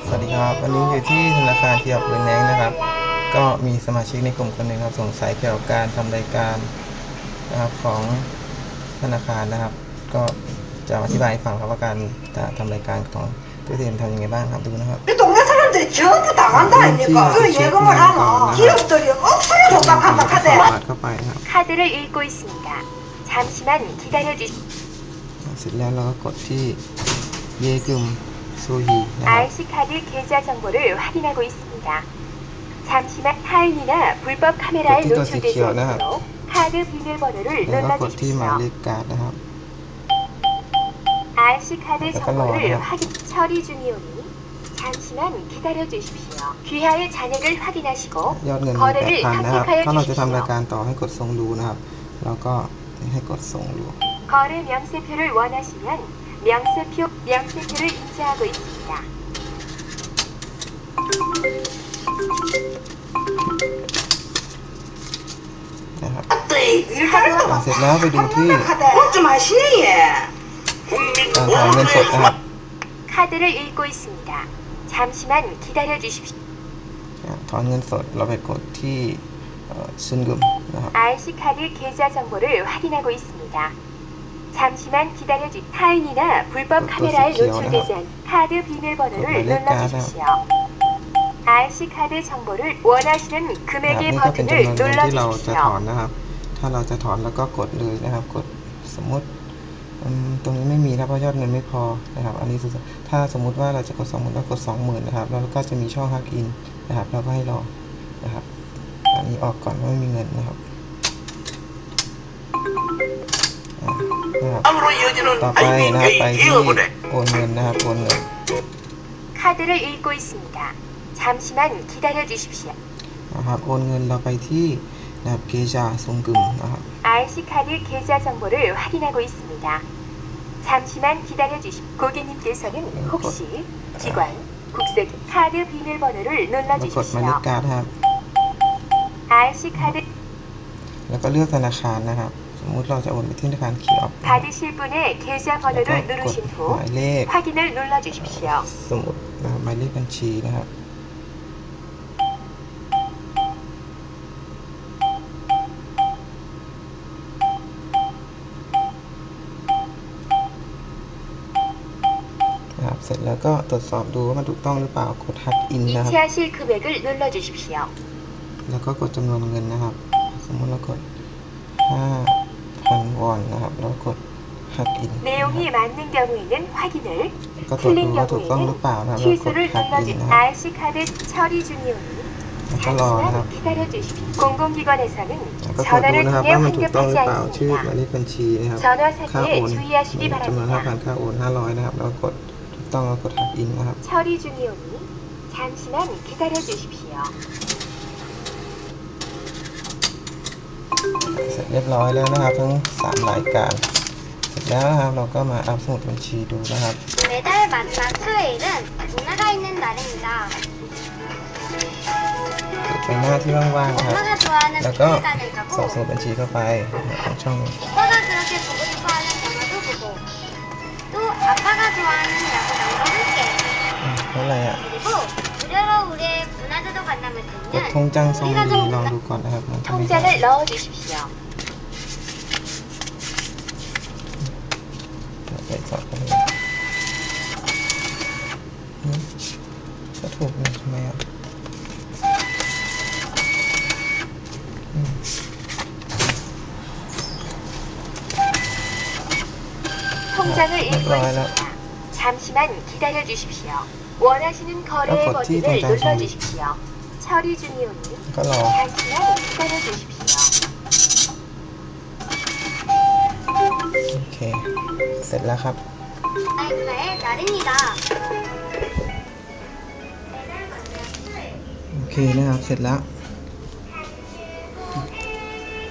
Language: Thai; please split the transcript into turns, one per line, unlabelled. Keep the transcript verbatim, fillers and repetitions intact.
สวัสดีครับวันนี้อยู่ที่ธนาคารเทียบเงินแนงนะครับก็มีสมาชิกในกลุ่มคนหนึ่งครับสงสัยเกี่ยวกับการทำรายการนะครับของธนาคารนะครับก็จะอธิบายให้ฟังครับว่าการทำรายการของตู้เทียมทำยังไงบ้างครับดูนะครับ
이 동네 사람들이 전부 다 간다니까. 그 예금을 하면 기업들이 억수로 독박한박하대.
카드를 읽고 있습니다. 잠시만 기다려주십시오.
เสร็จแล้วเราก็กดที่เยกึมโซฮีนะครับ
알씨 카드 계좌 정보를 확인하고 있습니다. 잠시만 타인이나 불법 카메라에 노출되지 않도록 카드 비밀번호를
แล้วก็กดที่หมายเล
눌러주십시오.
ขการ์ดนะครับ
알씨 카드 정보를 확인 처리 중이오니 잠시만 기다려주십시오. 귀하의 잔액을 확인하시고
ยอดเงิน
거래를
แปดพัน นะครับ
선택하여
ถ้าเราจะทำราย
주십시오.
การต่อให้กดส่งดูนะครับเราก็ให้กดส่งดู
거래 명세표를 원하시면 명세표, 명세표를 인쇄하고 있습니다.
นะครับ
아뜨이 일하려고
เสร็จแล้วไปดูที่
어좀 하시네.
การถอนเงินสดนะครับ
카드를 읽고 있습니다. 잠시만 기다려 주십시오.
ถอนเงินสดเราไปกดที่ซุนกึมนะครับ
알씨 카드 계좌 정보를 확인하고 있습니다. 잠시만 기다려 주 타인이나 불법 카메라에 노출되지 않은 카드 비밀번호를 눌러주십시오. 알씨 카드 정보를 원하시는
นี่
금액의
ก็เป็น
버튼을
จำนวนเงินที่เราจะถอน
눌러주십시오.
นะครับถ้าเราจะถอนแล้วก็กดเลยนะครับกดสมมติตรงนี้ไม่มีนะเพราะยอดเงินไม่พอนะครับอันนี้ถ้าสมมุติว่าเราจะกดสองหมื่นเรากดสองหมื่นนะครับแล้วก็จะมีช่องฮักอินนะครับเราก็ให้รอนะครับอันนี้ออกก่อนว่าไม่มีเงินนะครับนะครับต่อไปนะครับไปที่โอนเงินนะครับโอนเงิน
카드를 읽고 있습니다. 잠시만 기다려 주십시오.
นะครับโอนเงินเราไปที่นะครับเกจาซุงกึมนะครับ
알씨 카드 계좌 정보를 확인하고 있습니다. 잠시만 기다려 주십시오. 고객님께서는 혹시 기관, 국세, 카드 비밀번호를
แล้วกดหมายเลข
눌러주십시오.
การ์ดครับ
알씨 카드
แล้วก็เลือกธนาคารนะครับสมมุติเราจะโอนไปที่ธนาคารเขียว
받으실 분의 계좌
แล้วก็
번호를
กด
누르신
ห
후
มายเลข
확인을 눌러주십시오.
สมุดนะครับหมายเลขบัญชีนะครับนะครับเสร็จแล้วก็ตรวจสอบดูว่ามันถูกต้องหรือเปล่ากดฮักอินนะครับ
이체하실 금액을 눌러주십시오.
แล้วก็กดจำนวนเงินนะครับสมมติเรากด ห้าพัน วอนนะครับแล้วกดฮักอิน
내용이 맞는 경우에는 확인을,
ก็ตรวจ
틀린
ดูว่าถูกต้องหรือเปล่านะครับแล้วกด
취소를
ฮักอิน
눌러주
นะครับ
알씨 카드 처리 중이오니
แล้วก็รอนะครับ
잠시만 기다려 주십시오. 공공기관에서는
แล้วก็กดดู
전화를
นะครับ
통해
ว่ามันถูกต้องห
환급하지
รือเปล่าชื่อหมาย
않습니다.
เลขบัญชีนะครับ
전화
ค่าโอ
사기에
น
주의하시기
จำนวน ห้าพัน
바랍니다.
ค่าโอนห้าร้อยนะครับแล้วกดถูกต้องแล้วกดฮักอินนะครับ
처리 중이오니 잠시만 기다려 주십시오.
เสร็จเรียบร้อยแล้วนะครับทั้งสามรายการเสร็จแล้วนะครับเราก็มาอัพสมุดบัญชีดูนะครับ
매달 마지막 수요일은 누나가 있는 날입니다.
เปิดไปหน้าที่ว่างๆนะครับ
엄마가 좋아하는
แล้วก็
미술관을
สอบ
가고
สมุดบัญชีเข้าไปของช่อง
오빠가 그렇게 보고 싶어하는 영화도 보고 또 아빠가 좋아하는 야구장도 함께
อืมแล้วอะไรอ่ะ
그리고 무료로 우리의 문화재도 관람을
กด
듣는
ทงจังซองดีลองดูก่อนนะครับมันจะไม่ได้
통장을 넣어 주십시오.
ไปสอบกันเลยอืมก็ถูกนะทำไมอ่ะอืม
통장을
네,
읽고
들어가요.
있습니다. 잠시만 기다려 주십시오. 원하시는 거래의
어, 버티,
버튼을
통장 정리.
눌러주십시오. 처리 중이오니
ก็รอ
잠시만 기다려 주십시오.
โอเคเสร็จแล้วครับ
아이카의 날입니다.
โอเคนะครับเสร็จแล้ว